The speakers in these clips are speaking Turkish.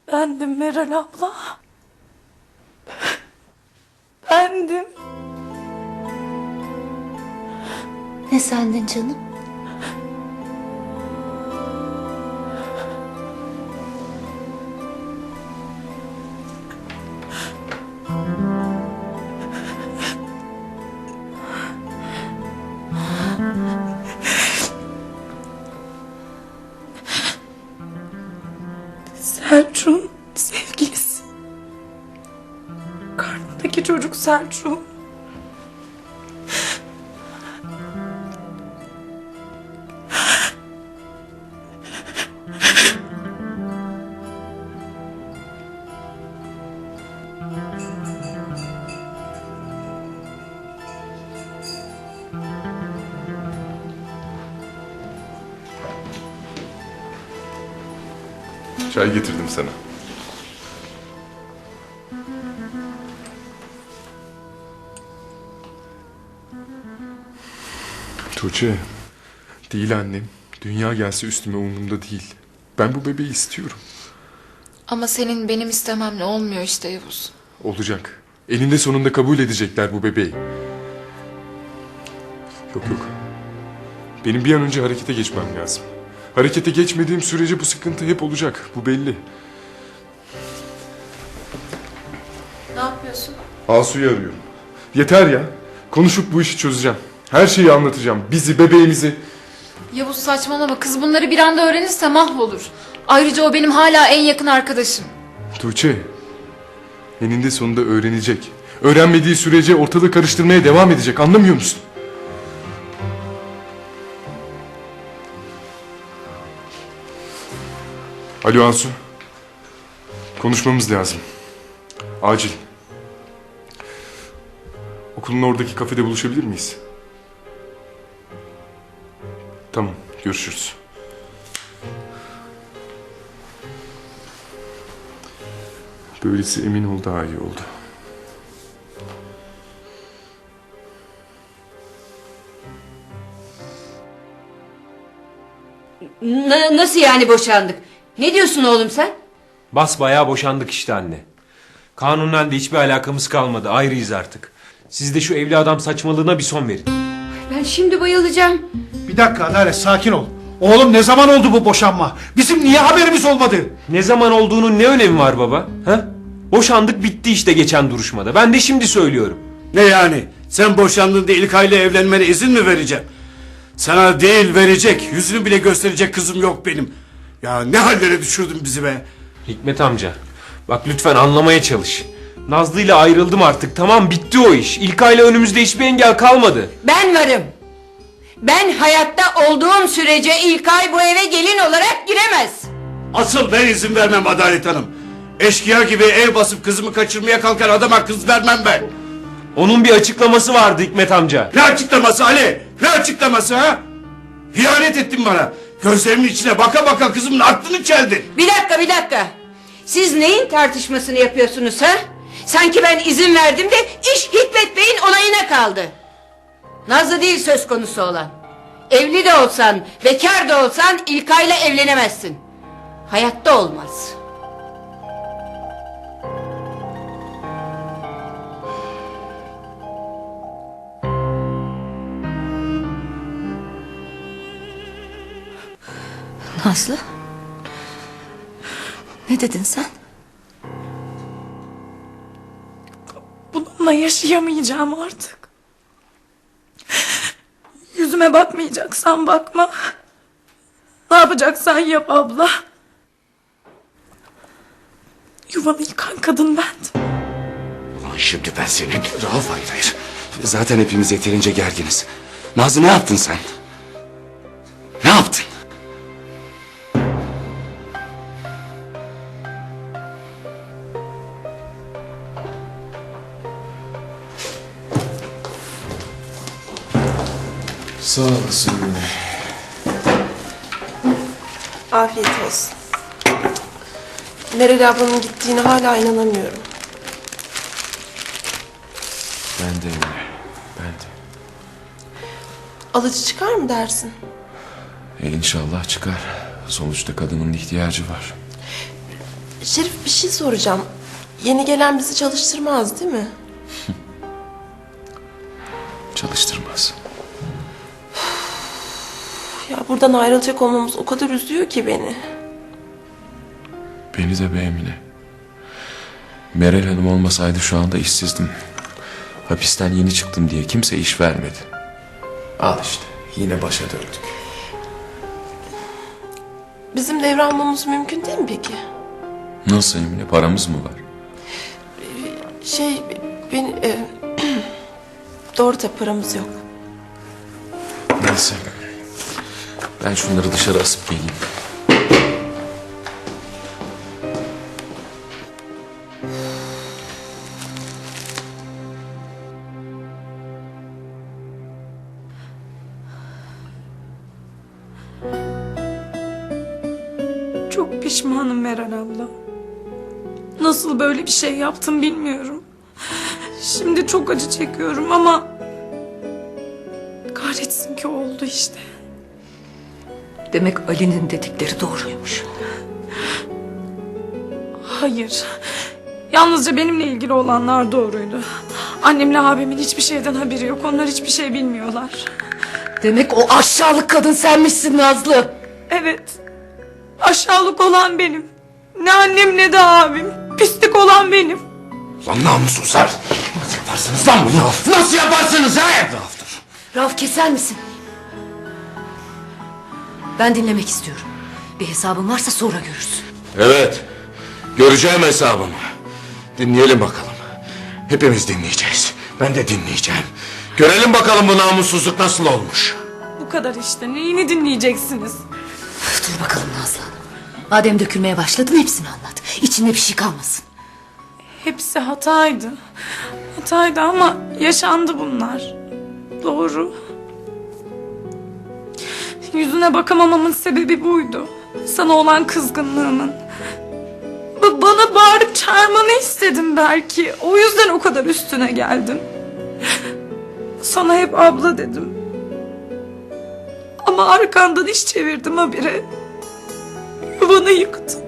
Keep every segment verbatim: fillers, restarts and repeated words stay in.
Bendim Meral abla. Bendim. Ne sendin canım? Selçuk'un sevgilisi. Karnındaki çocuk Selçuk. Çay getirdim sana. Tuğçe, değil annem. Dünya gelse üstüme umurumda değil. Ben bu bebeği istiyorum. Ama senin benim istememle olmuyor işte Yavuz. Olacak. Eninde sonunda kabul edecekler bu bebeği. Yok yok. Benim bir an önce harekete geçmem lazım. Harekete geçmediğim sürece bu sıkıntı hep olacak. Bu belli. Ne yapıyorsun? Asu'yu arıyorum. Yeter ya. Konuşup bu işi çözeceğim. Her şeyi anlatacağım. Bizi, bebeğimizi. Yavuz saçmalama, kız bunları bir anda öğrenirse mahvolur. Ayrıca o benim hala en yakın arkadaşım. Tuğçe, eninde sonunda öğrenecek. Öğrenmediği sürece ortalığı karıştırmaya devam edecek. Anlamıyor musun? Alo Asu. Konuşmamız lazım. Acil. Okulun oradaki kafede buluşabilir miyiz? Tamam, görüşürüz. Böylesi emin ol daha iyi oldu. N- nasıl yani boşandık? Ne diyorsun oğlum sen? Basbayağı boşandık işte anne. Kanunen de hiçbir alakamız kalmadı. Ayrıyız artık. Siz de şu evli adam saçmalığına bir son verin. Ben şimdi bayılacağım. Bir dakika Adalet, sakin ol. Oğlum ne zaman oldu bu boşanma? Bizim niye haberimiz olmadı? Ne zaman olduğunun ne önemi var baba? Ha? Boşandık bitti işte geçen duruşmada. Ben de şimdi söylüyorum. Ne yani? Sen boşandığında İlkay'la evlenmene izin mi vereceğim? Sana değil verecek, yüzünü bile gösterecek kızım yok benim. Ya ne hallere düşürdün bizi be? Hikmet amca, bak lütfen anlamaya çalış. Nazlı ile ayrıldım artık, tamam, bitti o iş. İlkay'la önümüzde hiçbir engel kalmadı. Ben varım. Ben hayatta olduğum sürece İlkay bu eve gelin olarak giremez. Asıl ben izin vermem Adalet Hanım. Eşkıya gibi ev basıp kızımı kaçırmaya kalkan adama kız vermem ben. Onun bir açıklaması vardı Hikmet amca. Ne açıklaması Ali? Ne açıklaması ha? İhanet ettin bana. Gözlerimin içine baka baka kızımın aklını çeldin. Bir dakika bir dakika. Siz neyin tartışmasını yapıyorsunuz ha? Sanki ben izin verdim de iş Hikmet Bey'in onayına kaldı. Nazlı değil söz konusu olan. Evli de olsan, bekar da olsan İlkay'la evlenemezsin. Hayatta olmaz. Nazlı? Ne dedin sen? Bununla yaşayamayacağım artık. Yüzüme bakmayacaksan bakma. Ne yapacaksan yap abla. Yuvanı yıkan kadın bendim. Ulan şimdi ben senin... Rauf hayır hayır. Zaten hepimiz yeterince gerginiz. Nazlı ne yaptın sen? Ne yaptın? Sağ olasın Mine. Afiyet olsun. Meral ablanın gittiğine hala inanamıyorum. Ben de Mine. Ben de. Alıcı çıkar mı dersin? E inşallah çıkar. Sonuçta kadının ihtiyacı var. Şerif bir şey soracağım. Yeni gelen bizi çalıştırmaz değil mi? Çalıştırmaz. Ya buradan ayrılacak olmamız o kadar üzüyor ki beni. Beni de be Emine. Meral Hanım olmasaydı şu anda işsizdim. Hapisten yeni çıktım diye kimse iş vermedi. Al işte yine başa döndük. Bizim devralmamız mümkün değil mi peki? Nasıl Emine, paramız mı var? Şey, ben... E, doğru da paramız yok. Neyse. Ben şunları dışarı asıp geleyim. Çok pişmanım Meral abla. Nasıl böyle bir şey yaptım bilmiyorum. Şimdi çok acı çekiyorum ama... kahretsin ki oldu işte. Demek Ali'nin dedikleri doğruymuş. Hayır. Yalnızca benimle ilgili olanlar doğruydu. Annemle abimin hiçbir şeyden haberi yok. Onlar hiçbir şey bilmiyorlar. Demek o aşağılık kadın senmişsin Nazlı. Evet. Aşağılık olan benim. Ne annem ne de abim. Pislik olan benim. Lan namussuzlar. Nasıl yaparsınız lan bunu? Nasıl yaparsınız ha? Rauf keser misin? Ben dinlemek istiyorum. Bir hesabın varsa sonra görürsün. Evet. Göreceğim hesabımı. Dinleyelim bakalım. Hepimiz dinleyeceğiz. Ben de dinleyeceğim. Görelim bakalım bu namussuzluk nasıl olmuş. Bu kadar işte. Neyini dinleyeceksiniz? Dur bakalım Nazlı Hanım. Madem dökülmeye başladın hepsini anlat. İçinde bir şey kalmasın. Hepsi hataydı. Hataydı ama yaşandı bunlar. Doğru. Yüzüne bakamamamın sebebi buydu. Sana olan kızgınlığımın. Ba- bana bağırıp çağırmanı istedim belki. O yüzden o kadar üstüne geldim. Sana hep abla dedim. Ama arkandan iş çevirdim habire. Yuvanı yıktım.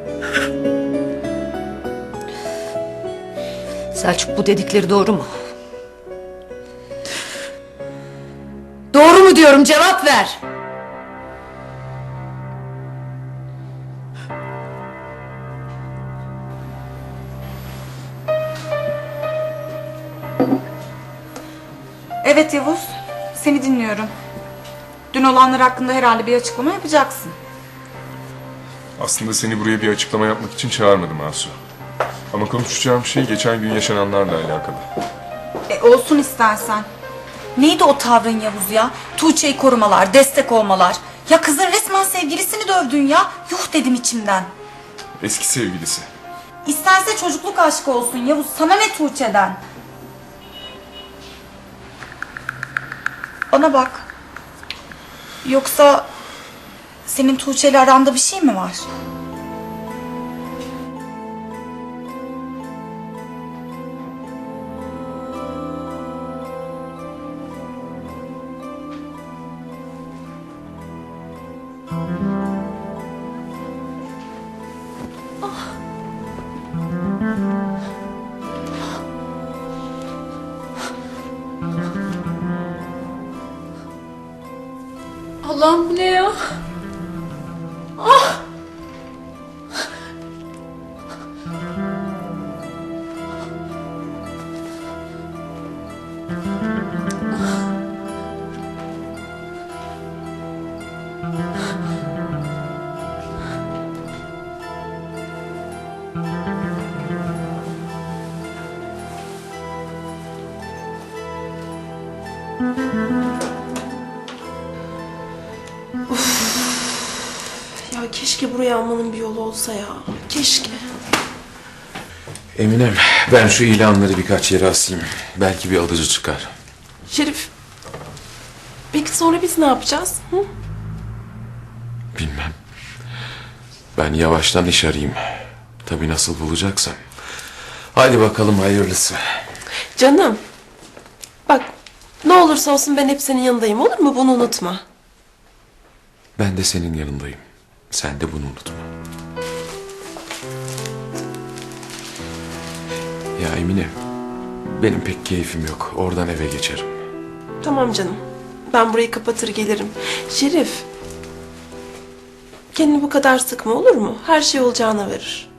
Selçuk bu dedikleri doğru mu? Doğru mu diyorum, cevap ver. Evet Yavuz, seni dinliyorum. Dün olanlar hakkında herhalde bir açıklama yapacaksın. Aslında seni buraya bir açıklama yapmak için çağırmadım Asu. Ama konuşacağım şey geçen gün yaşananlarla alakalı. E, olsun istersen. Neydi o tavrın Yavuz ya? Tuğçe'yi korumalar, destek olmalar. Ya kızın resmen sevgilisini dövdün ya. Yuh dedim içimden. Eski sevgilisi. İsterse çocukluk aşkı olsun Yavuz. Sana ne Tuğçe'den? Bana bak. Yoksa senin Tuğçe'yle aranda bir şey mi var? Allah'ım bu ne ya? Ah! Ya keşke buraya almanın bir yolu olsa ya. Keşke. Eminem, ben şu ilanları birkaç yere asayım. Belki bir alıcı çıkar. Şerif. Peki sonra biz ne yapacağız? Hı? Bilmem. Ben yavaştan iş arayayım. Tabii nasıl bulacaksam. Hadi bakalım hayırlısı. Canım. Bak ne olursa olsun ben hep senin yanındayım, olur mu? Bunu unutma. Ben de senin yanındayım. Sen de bunu unutma. Ya Emine, benim pek keyfim yok. Oradan eve geçerim. Tamam canım. Ben burayı kapatır gelirim. Şerif. Kendini bu kadar sıkma olur mu? Her şey olacağına verir.